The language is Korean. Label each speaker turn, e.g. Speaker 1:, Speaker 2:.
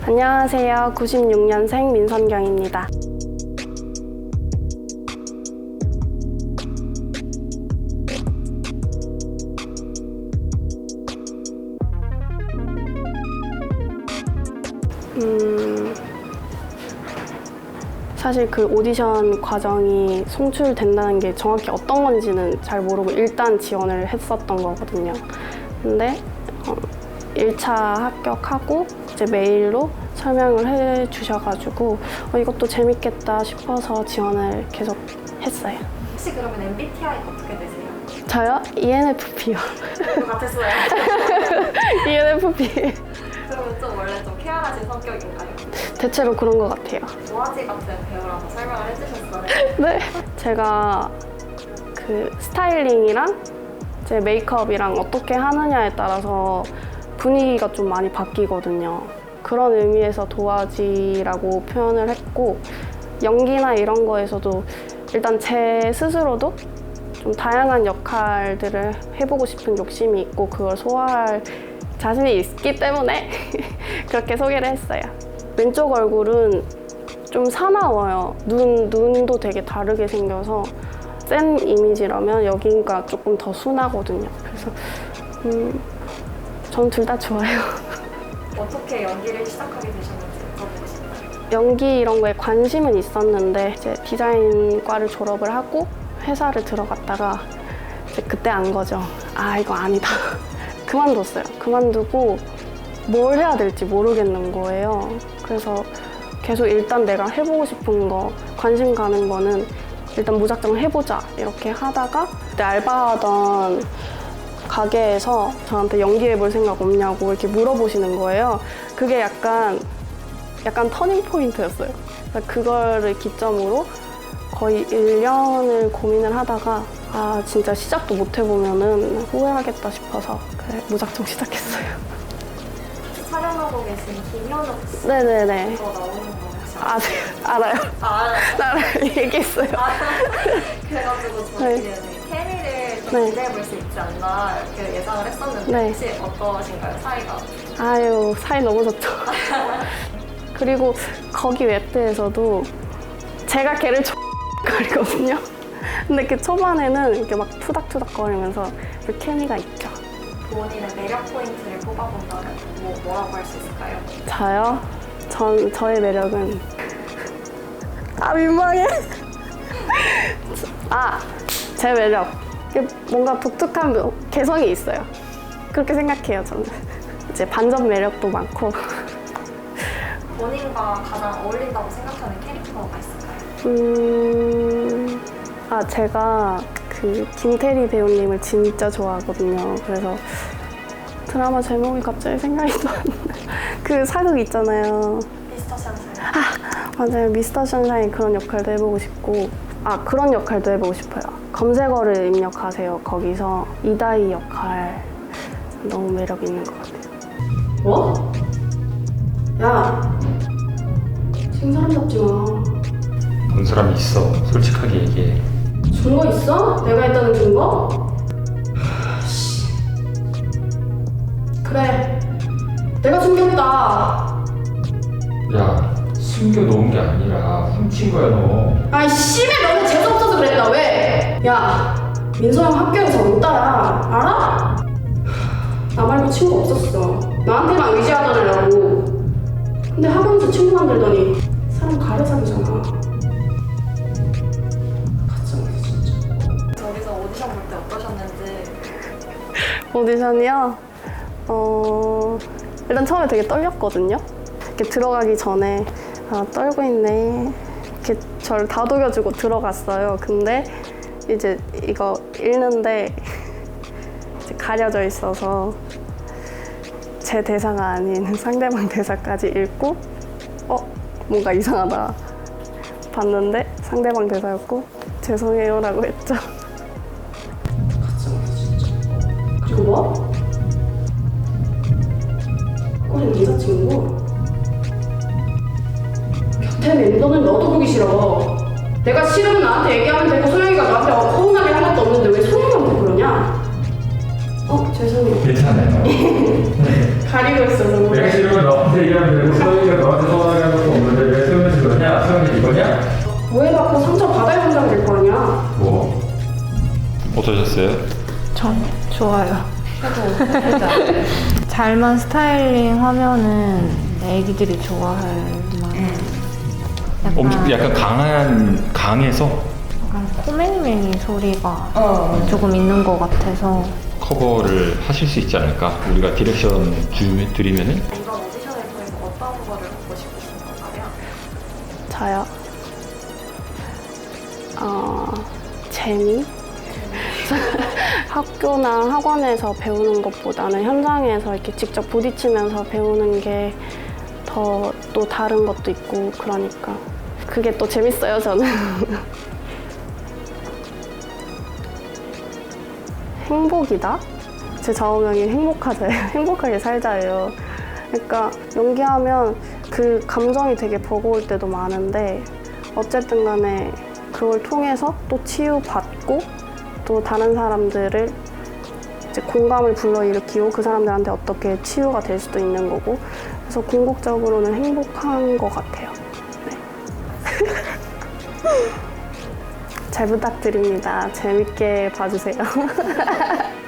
Speaker 1: 안녕하세요. 96년생 민선경입니다. 사실 그 오디션 과정이 송출된다는 게 정확히 어떤 건지는 잘 모르고 일단 지원을 했었던 거거든요. 근데 1차 합격하고 이제 메일로 설명을 해 주셔가지고 이것도 재밌겠다 싶어서 지원을 계속 했어요.
Speaker 2: 혹시 그러면 MBTI가 어떻게 되세요?
Speaker 1: 저요? ENFP요.
Speaker 2: 같았어요.
Speaker 1: ENFP.
Speaker 2: 그러면 좀 원래 좀 쾌활하신 성격인가요?
Speaker 1: 대체로 그런 것 같아요.
Speaker 2: 도화지 같은 배우라고 설명을 해주셨어요.
Speaker 1: 네. 제가 그 스타일링이랑 제 메이크업이랑 어떻게 하느냐에 따라서 분위기가 좀 많이 바뀌거든요. 그런 의미에서 도화지라고 표현을 했고, 연기나 이런 거에서도 일단 제 스스로도 좀 다양한 역할들을 해보고 싶은 욕심이 있고 그걸 소화할 자신이 있기 때문에 그렇게 소개를 했어요. 왼쪽 얼굴은 좀 사나워요. 눈도 되게 다르게 생겨서 센 이미지라면 여기가 조금 더 순하거든요. 그래서 전 둘 다 좋아요.
Speaker 2: 어떻게 연기를 시작하게 되셨는지 여쭤보고 싶어요.
Speaker 1: 연기 이런 거에 관심은 있었는데 이제 디자인과를 졸업을 하고 회사를 들어갔다가 이제 그때 안 거죠. 아, 이거 아니다. 그만뒀어요. 그만두고 뭘 해야 될지 모르겠는 거예요. 그래서 계속 일단 내가 해보고 싶은 거, 관심 가는 거는 일단 무작정 해보자 이렇게 하다가 그때 알바하던 가게에서 저한테 연기해볼 생각 없냐고 이렇게 물어보시는 거예요. 그게 약간 터닝 포인트였어요. 그거를 기점으로 거의 1년을 고민을 하다가 아, 진짜 시작도 못 해보면은 후회하겠다 싶어서 그래, 무작정 시작했어요.
Speaker 2: 촬영하고 계신 김현욱 씨
Speaker 1: 네네네.
Speaker 2: 그거 나오는 거 혹시
Speaker 1: 아, 네, 알아요.
Speaker 2: 알아요?
Speaker 1: 알아요. 얘기했어요.
Speaker 2: 그래가지고
Speaker 1: 네.
Speaker 2: 저희는 케미를 좀
Speaker 1: 네.
Speaker 2: 기대해볼 수 있지 않나 이렇게 예상을 했었는데
Speaker 1: 네.
Speaker 2: 혹시 어떠신가요, 사이가?
Speaker 1: 아유, 사이 너무 좋죠. 그리고 거기 웹드에서도 제가 걔를 거리거든요. 근데 그 초반에는 이렇게 막 투닥투닥거리면서 그 케미가 있죠.
Speaker 2: 본인의 매력 포인트를 뽑아본다면 뭐라고 할 수 있을까요?
Speaker 1: 저요? 저의 매력은 민망해. 제 매력. 뭔가 독특한 개성이 있어요. 그렇게 생각해요, 저는. 이제 반전 매력도 많고.
Speaker 2: 본인과 가장 어울린다고 생각하는 캐릭터가 있을까요?
Speaker 1: 제가 그 김태리 배우님을 진짜 좋아하거든요. 그래서 드라마 제목이 갑자기 생각이 안 나. 그 사극 있잖아요.
Speaker 2: 미스터 션샤인.
Speaker 1: 맞아요. 미스터 션샤인 그런 역할도 해보고 싶고 그런 역할도 해보고 싶어요. 검색어를 입력하세요. 거기서 이다희 역할 너무 매력 있는 것 같아요. 뭐? 야, 지금 사람 잡지 마.
Speaker 3: 본 사람이 있어. 솔직하게 얘기해.
Speaker 1: 증거 있어? 내가 했다는 증거? 그래, 내가 숨겼다.
Speaker 3: 야, 숨겨놓은 게 아니라 훔친 거야 너.
Speaker 1: 아이 씨발, 너는 재수없어서 그랬다. 왜? 야, 민서 형 학교에서 온다야. 알아? 나 말고 친구 없었어. 나한테만 의지하더라고. 근데 학원에서 친구 만들더니 사람 가려 사귀잖아. 가짜네 진짜.
Speaker 2: 저기서 오디션 볼 때 어떠셨는지.
Speaker 1: 오디션이요? 일단 처음에 되게 떨렸거든요. 이렇게 들어가기 전에 떨고 있네. 이렇게 저를 다독여주고 들어갔어요. 근데 이제 이거 읽는데 이제 가려져 있어서 제 대사가 아닌 상대방 대사까지 읽고 뭔가 이상하다 봤는데 상대방 대사였고 죄송해요라고 했죠. 가짜네 진짜. 그리고 뭐? 꼬리 남자친구? 곁에 멤버는 너도 보기 싫어. 내가 싫으면 나한테 얘기하면 되고 소영이가 나한테 서운하게 한 것도 없는데 왜 소영이한테 그러냐? 죄송해요.
Speaker 3: 괜찮아요.
Speaker 1: 가리고 있어서.
Speaker 3: 내가 싫으면 너 너한테 얘기하면 되고 소영이가 너한테 서운하게 한 것도 없는데 왜 소영이한테 그러냐? 소영이 이거냐?
Speaker 1: 오해받고 상처 받아야 한다는 될 거 아니야?
Speaker 3: 뭐? 어떠셨어요?
Speaker 4: 전 좋아요. 잘만 스타일링 하면은 애기들이 좋아할 만한
Speaker 3: 약간 강해서
Speaker 4: 약간 코맹맹이 소리가 조금 있는 것 같아서
Speaker 3: 커버를 하실 수 있지 않을까? 우리가 디렉션 드리면은
Speaker 2: 이번 오디션을 통해서 어떤 거를 보고 싶으신 건가요?
Speaker 1: 저요? 재미? 학교나 학원에서 배우는 것보다는 현장에서 이렇게 직접 부딪히면서 배우는 게 더 또 다른 것도 있고 그러니까 그게 또 재밌어요, 저는. 행복이다? 제 좌우명이 행복하게 살자예요. 그러니까 연기하면 그 감정이 되게 버거울 때도 많은데 어쨌든 간에 그걸 통해서 또 치유받고 또 다른 사람들을 이제 공감을 불러일으키고 그 사람들한테 어떻게 치유가 될 수도 있는 거고 그래서 궁극적으로는 행복한 것 같아요. 네. 잘 부탁드립니다. 재밌게 봐주세요.